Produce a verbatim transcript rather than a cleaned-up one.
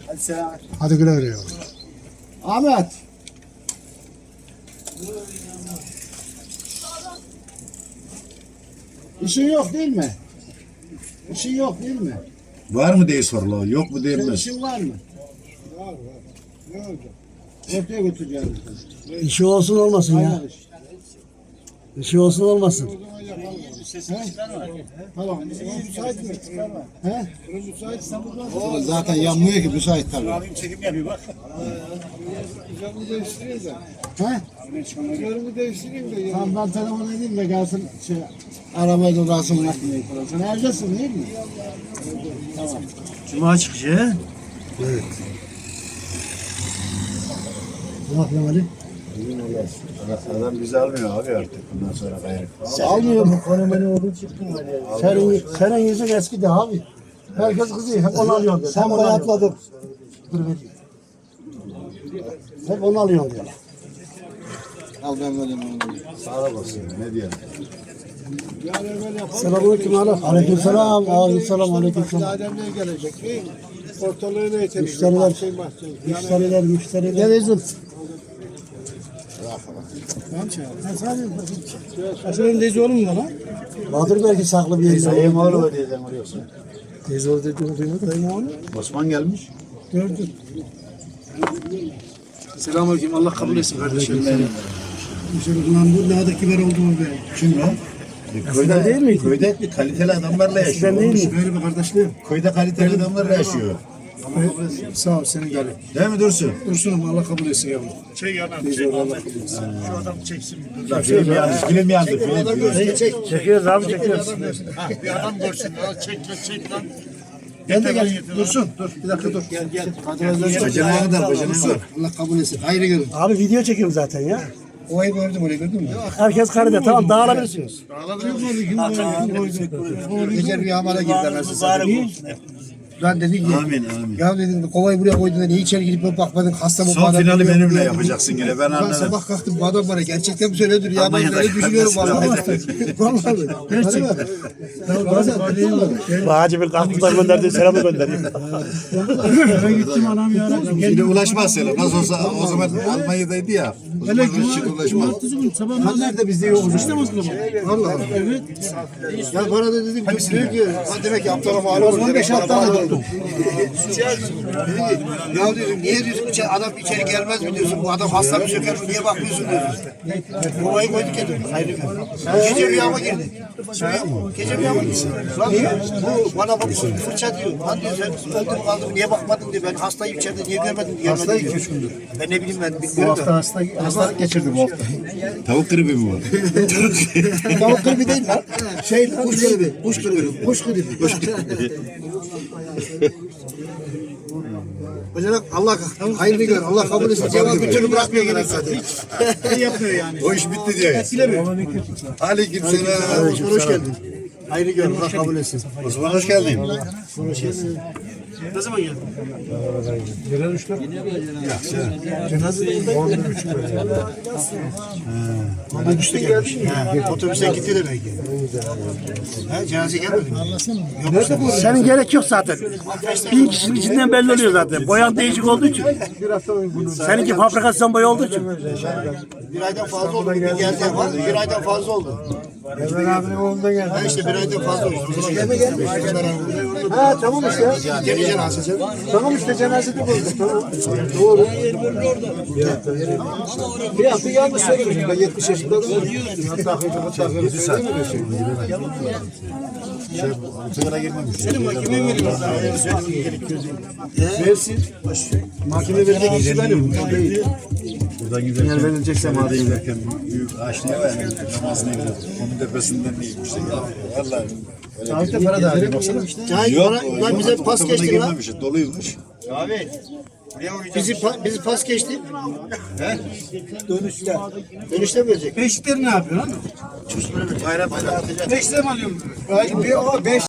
Hadi selam. Hadi güle güle yavrum. Ahmet. İşin yok değil mi? İşin yok değil mi? Var mı diye soruluyor, yok mu Senin diyemez. işin var mı? Var var. Ne olacak? Ortaya götüreceğim. İşi olsun olmasın ya. Aynen iş. İşi olsun olmasın. Tamam. Müsait mi? He? Müsait. O zaten yanmıyor ki müsait tabii. Abim çekim yapıyor bak. Camı değiştireyim de. He? Camı değiştireyim de. Tamam ben telefon edeyim de gelsin şey arabayla uğraşsın yapmaya falan. Sen evdesin değil mi? Tamam. Cuma çıkışı. Evet. Ne yapıyorsun Ali? Adam bizi almıyor abi artık bundan sonra gayrı. Almıyor mu? Konemeni oldu çıktın Ali. Senin, senin yüzün eski de abi. Herkes kızıyor. Hep onu alıyor diyor. Sen bayatladın. Dur vereyim. Hep onu alıyor diyor. Al ben vereyim onu. Sağ olasın, ne diyelim. Selamünaleyküm Ali. Aleykümselam. Aleykümselam. Aleykümselam. Ademler gelecek değil mi? Ortalığı ne yeter? Müşteriler. Müşteriler, müşteriler. Gel Ezul. Aşırı lezi olur mu lan? Vardır belki saklı bir yerinde. Sayın oğlu mu diyeceğim oraya. Teyze orada duymadı. Dayım oğlu. Osman gelmiş. Gördüm. Selamünaleyküm. Allah kabul etsin kardeşim. Lan bu ne kadar kibar olduğunu be. Kim lan? Köyde değil miydi? Köyde kaliteli adamlarla yaşıyor. Ben değil mi? Böyle bir kardeşliğim. Köyde kaliteli adamlarla yaşıyor. Sağ ol senin gelin. Değil mi Dursun? Dursun'um Allah kabul etsin yavrum. Çek yanam. Çek. Şu adam çeksin. Bak film yandı, film yandı, film. Çek. Çekiyoruz abi çekiyoruz. Ha, bir adam görsün. Al, çek çek çek lan. Ben de gel. Dursun. Dur. Bir dakika dur. Gel gel. Bacanaya kadar, bacanaya kadar. Allah kabul etsin. Hayırlı görün. Abi video çekiyorum zaten ya. Olayı gördüm orayı gördün mü? Herkes karede tamam dağılabilirsiniz. Gece rüyamara girdi ben size. Ben dedim ki Amin, amin. ya dedim kovayı buraya koydun da niye içeri girip ben bakmadın hasta mı? Son finali benimle yapacaksın yine, ben Ben anladım. sabah kalktım bu adam bana gerçekten mi söylüyordur ya ben Almanya'da öyle düşünüyorum vallahi. Vallahi. Gerçekten. Bazen Hacı bir kalktılar gönderdi selamı gönderdi. ben gittim anam ya. Şimdi ulaşmaz sana. Nasıl olsa o zaman Almanya'daydı ya. O zaman şimdi ulaşmaz. Sabah nerede bizde yokuz işte o zaman. Vallahi. Evet. Ya bana da dedim ki diyor ki ha demek ki aptala mal oldu. on beş hafta tuttum. Ya dedim niye diyorsun içeri, adam içeri gelmez mi diyorsun bu adam hasta mı söker mi niye bakmıyorsun diyorsun. Kovayı koyduk ya dedim. Hayır. Gece rüyama girdi. Gece rüyama girdi. Lan bu bana bak fırça diyor. Lan diyor sen öldüm kaldım niye bakmadın diyor. Ben hastayım içeride niye görmedin diyor. Hastayım iki üç gündür. Ben ne bileyim ben bilmiyorum da. hasta, hastalık geçirdi bu hafta. Tavuk gribi mi var? Tavuk gribi değil lan. Şey kuş gribi. Kuş gribi. Kuş gribi. Kuş gribi. Hocam Allah hayırlı gör. Allah kabul etsin. Cevap bir türlü bırakmıyor gene zaten. Ne yapıyor yani? O iş bitti diyor. Aleyküm selam. Osman hoş geldin. Hayırlı gör. Allah kabul etsin. Osman hoş geldin. Ne zaman geldin? Otobüste gelmiş. Otobüse gitti de belki. Ha, cenaze gelmedi mi? Senin gerek yok zaten. Bin kişinin içinden belli oluyor zaten. Boyan değişik olduğu için. Seninki fabrikasyon boya olduğu için. Bir aydan fazla oldu. Bir geldi var. Bir aydan fazla oldu. Ömer abinin oğlunda geldi. Ha işte bir aydan fazla oldu. O zaman gelme gelmiş. Ha tamam işte. Geri cenazesi. Tamam işte cenazede bulduk. Tamam. Doğru. Bir hafta yanlış söylemişim. Ben yetmiş yaşında adamım. Hatta hatta yedi saat. Şey, sigara girmemiş. Senin mahkemeye mi veriyorsun? Versin. Mahkeme verecek kişi benim. Buradan giderken, eğer verilecekse madem giderken büyük ağaçlıya var. Namazını gidiyor. Onun tepesinden neymiş de geldi. Vallahi. Tarihte para da alıyor. Baksana. Cahit bana lan bize pas geçti lan. Doluymuş. Abi. Bizi pa- bizi pas geçti. He? Dönüşte. Dönüşte mi verecek? Beşikleri ne yapıyor lan? Çocuklara verecek. Bayram bayram atacak. Beşikleri mi alıyorsun? Bir o beş